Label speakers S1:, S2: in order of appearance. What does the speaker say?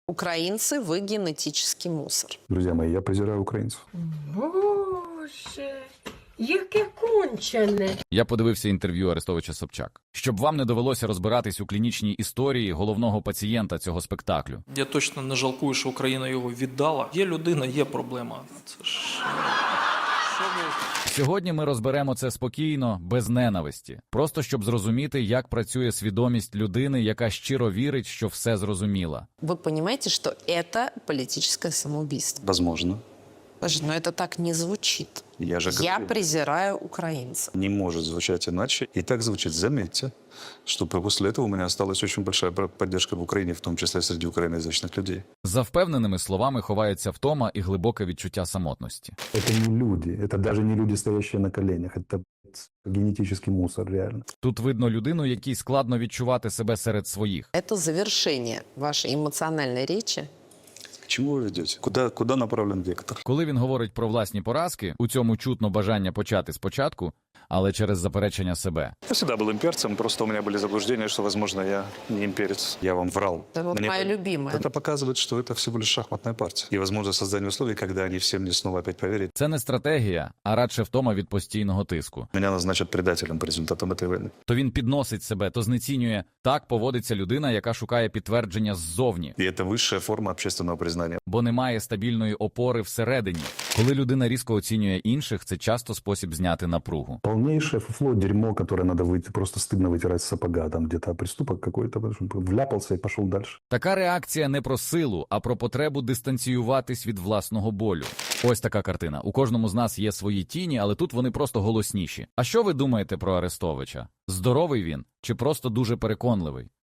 S1: Украинцы, вы генетический мусор.
S2: Друзья мои, я презираю украинцев.
S3: Боже, яке кончене.
S4: Я подивився інтерв'ю Арестовича Собчак. Щоб вам не довелося розбиратись у клінічній історії головного пацієнта цього спектаклю.
S5: Я точно не жалкую, що Україна його віддала. Є людина, є проблема. Це ж... Що ви...
S4: Сьогодні ми розберемо це спокійно, без ненависті. Просто щоб зрозуміти, як працює свідомість людини, яка щиро вірить, що все зрозуміла.
S1: Вы понимаете, что это политическое самоубийство?
S6: Возможно.
S1: Боже, но это так не звучит.
S6: Я же
S1: Я
S6: говорю,
S1: презираю украинцев.
S6: не может звучать иначе. И так звучит. Заметьте, что после этого у меня осталась очень большая поддержка в Украине, в том числе среди украиноязычных людей.
S4: За впевненими словами ховається втома і глибоке відчуття самотності.
S2: Это не люди, это даже не люди, стоящие на коленях, это генетический мусор, реально.
S4: Тут видно людину, якій складно відчувати себе серед своїх.
S1: Это завершение вашей эмоциональной речи.
S6: К чему вы ведете? Куда направлен вектор?
S4: Коли він говорить про власні поразки, у цьому чутно бажання почати спочатку, але через заперечення себе.
S6: Я всегда был имперцем, просто у меня были заблуждения, что, возможно, я не имперец. Я вам врал.
S1: Это вот моя любимая.
S6: Это показывает, что это всего лишь шахматная партия. И, возможно, создание условий, когда они все мне снова опять поверят.
S4: Це не стратегія, а радше втома від постійного тиску.
S6: Меня назначат предателем по результатам этой войны.
S4: То він підносить себе, то знецінює. Так поводиться людина, яка шукає підтвердження ззовні,
S6: И это высшая форма общественного признания.
S4: бо немає стабільної опори всередині. Коли людина різко оцінює інших, це часто спосіб зняти напругу.
S2: Полнейшее фуфло, дерьмо, которое надо выйти, просто стыдно вытирать с сапога, там где-то преступок какой-то, потому что вляпался и пошел дальше.
S4: Така реакція не про силу, а про потребу дистанціюватись від власного болю. Ось така картина. У кожному з нас є свої тіні, але тут вони просто голосніші. А що ви думаєте про Арестовича? Здоровий він чи просто дуже переконливий?